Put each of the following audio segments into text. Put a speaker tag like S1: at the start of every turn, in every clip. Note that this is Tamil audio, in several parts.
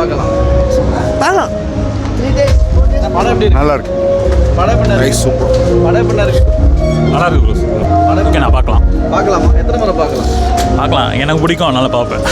S1: பார்க்கலாம்?
S2: பார்க்கலாம்.
S1: படம் எப்படி இருக்கு?
S3: நல்லா இருக்கு.
S1: படம் எப்படி இருக்கு?
S3: சூப்பர்.
S1: படம் எப்படி இருக்கு?
S4: நல்லா இருக்கு ப்ரோ.
S1: படம்
S4: ஓகே, நான் பார்க்கலாம்.
S1: பார்க்கலாமா? எத்தனை முறை பார்க்கலாம்?
S4: பார்க்கலாம், எனக்கு பிடிக்கும், அதனால பார்ப்பேன்.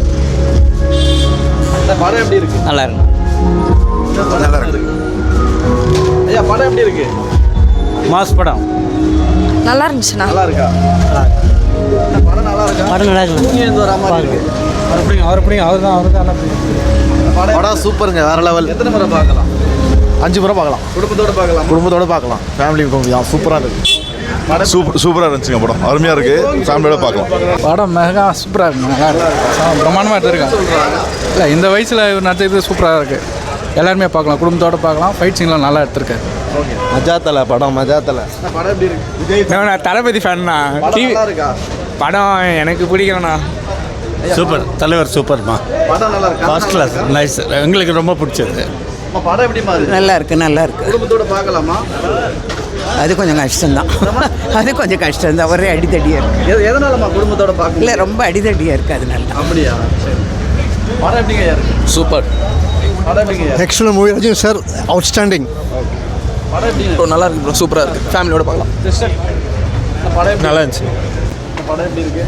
S1: இந்த படம் எப்படி இருக்கு?
S2: நல்லா இருக்கு.
S1: நல்லா இருக்கு. ஐயா, படம் எப்படி இருக்கு?
S4: மாஸ் படம்
S2: நல்லா இருந்துச்சுண்ணா.
S1: நல்லா இருக்கா? இந்த படம் நல்லா இருக்கா?
S2: படம் நல்லா இருக்கு.
S1: தூங்கி எழுந்து வரா மாதிரி இருக்கு.
S4: அவர் பிடிக்கும் அவர் தான் நல்லா
S1: படம்
S3: படம் சூப்பருங்க, வேற லெவல்.
S1: எத்தனை முறை பார்க்கலாம்?
S3: 5 முறை பார்க்கலாம்.
S1: குடும்பத்தோட பார்க்கலாம்.
S3: குடும்பத்தோட பார்க்கலாம். ஃபேமிலி சூப்பராக இருக்கு. சூப்பராக இருந்துச்சுங்க படம். அருமையாக இருக்கு. ஃபேமிலியோட பார்க்கலாம்.
S5: படம் மெகா சூப்பராக இருக்கு. நல்லா இருக்கு. பிரமாண்டமாக எடுத்துருக்கேன். இல்லை, இந்த வயசில் இவர் நடிச்சது சூப்பராக இருக்குது. எல்லாருமே பார்க்கலாம், குடும்பத்தோடு பார்க்கலாம். ஃபைட் சீன்லாம் நல்லா எடுத்திருக்கேன்.
S3: மஜாத்தலை படம், மஜாத்தலை.
S1: படம் எப்படி இருக்கு?
S5: நான் தளபதி ஃபேன்னா.
S1: படம் நல்லா இருக்கா?
S5: படம் எனக்கு பிடிக்கலண்ணா.
S4: சூப்பர். தலைவர் சூப்பர்மா.
S1: படம் நல்லா இருக்கா?
S4: First class, nice. எங்களுக்கு ரொம்ப பிடிச்சது.
S1: படம் எப்படிமா இருக்கு?
S2: நல்லா இருக்கு, நல்லா இருக்கு.
S1: குடும்பத்தோட பார்க்கலாமா?
S2: அது கொஞ்சம் கஷ்டம்தான். அது கொஞ்சம் கஷ்டம்தான். ஒரே அடித்தடியாக இருக்கு.
S1: எதனாலமா குடும்பத்தோட பார்க்க?
S2: இல்லை, ரொம்ப அடித்தடியாக இருக்குது, அதனால.
S1: அப்படியா? சரி. படம் எப்படிங்க இருக்கு?
S5: சூப்பர்.
S1: படம் எப்படிங்க இருக்கு?
S3: Extra movie Rajini sir outstanding.
S1: படம் எப்படி
S5: நல்லா இருக்கு ப்ரோ, சூப்பராக இருக்குது. ஃபேமிலியோட பார்க்கலாம்.
S1: சிஸ்டர், படம் எப்படி
S4: நல்லா இருந்துச்சு.
S1: படம் எப்படி இருக்கு?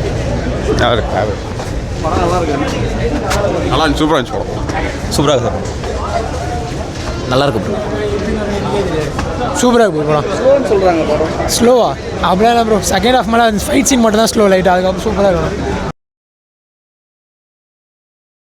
S1: படம் நல்லா இருக்கு.
S3: நல்லா இருந்துச்சு. சூப்பராக இருந்துச்சு படம்.
S4: சூப்பராக சார். நல்லா இருக்கு ப்ரோ.
S5: சூப்பராக இருக்கு ப்ரோ.
S1: ஸ்லோன்னு சொல்றாங்க படம்.
S5: ஸ்லோவா அப்படியே ப்ரோ. செகண்ட் ஹாஃப் மேலே ஃபைட் சீன் மட்டும் தான் ஸ்லோ லைட். அதுக்கப்புறம் சூப்பராக இருக்கும்.